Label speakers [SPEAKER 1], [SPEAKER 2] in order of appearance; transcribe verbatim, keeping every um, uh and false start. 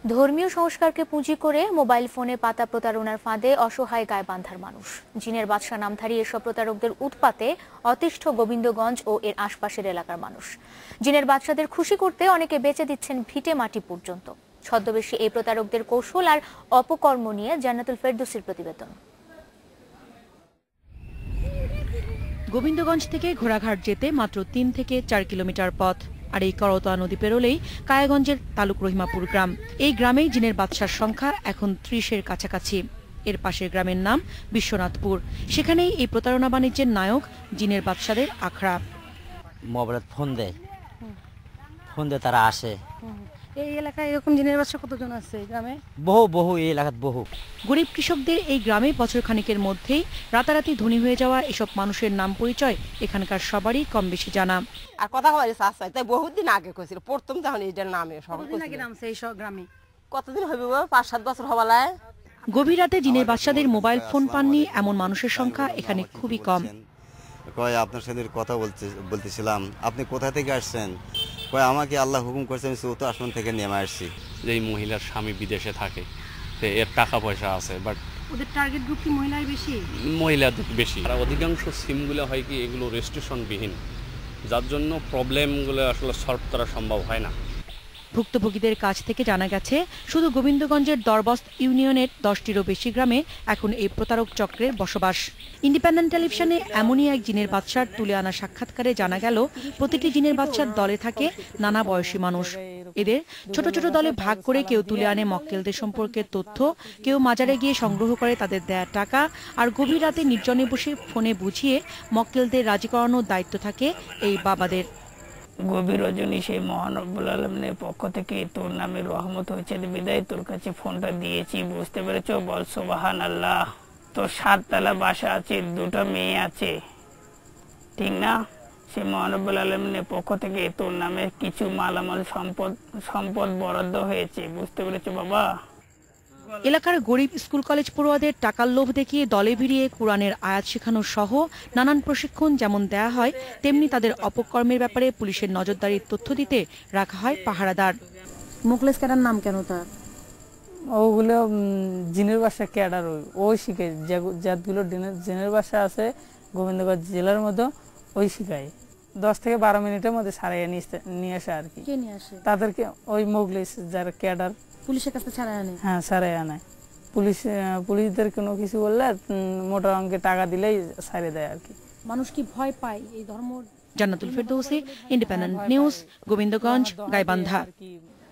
[SPEAKER 1] ধর্মীয় সংস্কারকে পুঁজি করে মোবাইল ফোনে পাতা প্রতারণার ফাঁদে অসহায় গাইবান্ধার মানুষ। জিনের বাদশা নামধারী এসব প্রতারকদের উৎপাতে অতিষ্ঠ গোবিন্দগঞ্জ ও এর আশপাশের এলাকার মানুষ। জিনের বাদশাদের খুশি করতে অনেকে বেচে দিচ্ছেন ভিটে মাটি পর্যন্ত। ছদ্মবেশী এই প্রতারকদের কৌশল আর অপকর্ম নিয়ে জান্নাতুল ফেরদৌসীর প্রতিবেদন।
[SPEAKER 2] গোবিন্দগঞ্জ থেকে ঘোড়াঘাট যেতে মাত্র তিন থেকে চার কিলোমিটার পথ। আর এই করতোয়া নদী পেরোলেই কায়াগঞ্জের তালুক রহিমাপুর গ্রাম। এই গ্রামেই জিনের বাদশার সংখ্যা এখন ত্রিশের কাছাকাছি। এর পাশের গ্রামের নাম বিশ্বনাথপুর। সেখানেই এই প্রতারণা বাণিজ্যের নায়ক জিনের বাদশাদের আখড়া।
[SPEAKER 3] মোবাইলে ফোন দেয়, ফোন দিয়ে তারা আসে।
[SPEAKER 4] এই এলাকায় এরকম জিনের বাদশা কতজন আছে এই গ্রামে?
[SPEAKER 3] বহু বহু এই এলাকাত বহু।
[SPEAKER 2] গরিব কৃষকদের এই গ্রামে বছর খানিকের মধ্যেই রাতারাতি ধনী হয়ে যাওয়া এসব মানুষের নাম পরিচয় এখানকার সবারই কম বেশি জানা।
[SPEAKER 5] আর কথা বলে চাচাই তাই বহুদিন আগে কইছিল, প্রথম তখন এইটার নামে সব
[SPEAKER 4] কতদিন আগে নামছে এই সব গ্রামে?
[SPEAKER 5] কতদিন হইবে পাঁচ সাত বছর হবালায়।
[SPEAKER 2] গভীর রাতে জিনের বাদশাদের মোবাইল ফোন পাননি এমন মানুষের সংখ্যা এখানে খুবই কম।
[SPEAKER 6] কয় আপনার সাথে কথা বলতে বলতেছিলাম, আপনি কোথা থেকে আসছেন? কয় আমাকে আল্লাহ হুকুম করছে, আমি চৌদ্দ আসমান থেকে নেমে আসছি।
[SPEAKER 7] যে এই মহিলার স্বামী বিদেশে থাকে, এর টাকা পয়সা আছে, বাট
[SPEAKER 4] ওদের টার্গেট গ্রুপ কি মহিলাই বেশি?
[SPEAKER 7] মহিলাদের বেশি। আর অধিকাংশ সিমগুলো হয় কি এগুলো রেজিস্ট্রেশনবিহীন, যার জন্য প্রবলেমগুলো আসলে সলভ করা সম্ভব হয় না।
[SPEAKER 2] ভুক্তভোগীদের কাছ থেকে জানা গেছে শুধু গোবিন্দগঞ্জের দরবস্ত ইউনিয়নের দশটিরও বেশি গ্রামে এখন এই প্রতারক চক্রের বসবাস। ইন্ডিপেন্ডেন্ট টেলিভিশনে এমনই এক জিনের বাদশার তুলে আনা সাক্ষাৎকারে জানা গেল প্রতিটি জিনের বাদশার দলে থাকে নানা বয়সী মানুষ। এদের ছোট ছোট দলে ভাগ করে কেউ তুলে আনে মক্কেলদের সম্পর্কে তথ্য, কেউ মাজারে গিয়ে সংগ্রহ করে তাদের দেয়া টাকা, আর গভীর রাতে নির্জনে বসে ফোনে বুঝিয়ে মক্কেলদের রাজি করানোর দায়িত্ব থাকে এই বাবাদের।
[SPEAKER 8] গভীর রজনী সেই মহান রব্বুল আলামিনের পক্ষ থেকে তোর নামে রহমত হয়েছে বিদায় তোর কাছে ফোনটা দিয়েছি, বুঝতে পেরেছ? বল সুবহানাল্লাহ। তোর সাততলা বাসা আছে, দুটো মেয়ে আছে, ঠিক না? সেই মহান রব্বুল আলামিনের পক্ষ থেকে তোর নামে কিছু মালামাল সম্পদ সম্পদ বরাদ্দ হয়েছে, বুঝতে পেরেছ বাবা?
[SPEAKER 2] এলাকার গরিব স্কুল কলেজ পড়ুয়াদের টাকার লোভ দেখিয়ে দলে ভিড়িয়ে কোরআনের আয়াত শেখানো সহ নানান প্রশিক্ষণ যেমন দেয়া হয়, তেমনি তাদের অপকর্মের ব্যাপারে পুলিশের নজরদারির তথ্য দিতে রাখা হয় পাহারাদার।
[SPEAKER 4] মুখলেস ক্যাডার নাম কেন তার?
[SPEAKER 8] ওগুলো জিনের বাসা ক্যাডার, ওই শিখে যাগুলো জিনের বাসা আছে গোবিন্দগঞ্জ জেলার মধ্যে, ওই শিখায়। দশ থেকে বারো মিনিটের মধ্যে সারাইয়া নিয়ে আসে আর কি।
[SPEAKER 4] কে নিয়ে আসে
[SPEAKER 8] তাদেরকে? ওই মুখলেস যারা ক্যাডার
[SPEAKER 4] পুলিশের কাছে ছাড়াই আনে।
[SPEAKER 8] হ্যাঁ, ছাড়াই আনে। পুলিশ পুলিশদের কোনো কিছু বললে মোটা অঙ্কে টাকা দিলেই ছাড়িয়ে দেয় আর কি।
[SPEAKER 4] মানুষ কি ভয় পায় এই ধর্ম?
[SPEAKER 2] Jannatul Ferdousi, independent news, Gobindaganj, Gaibandha.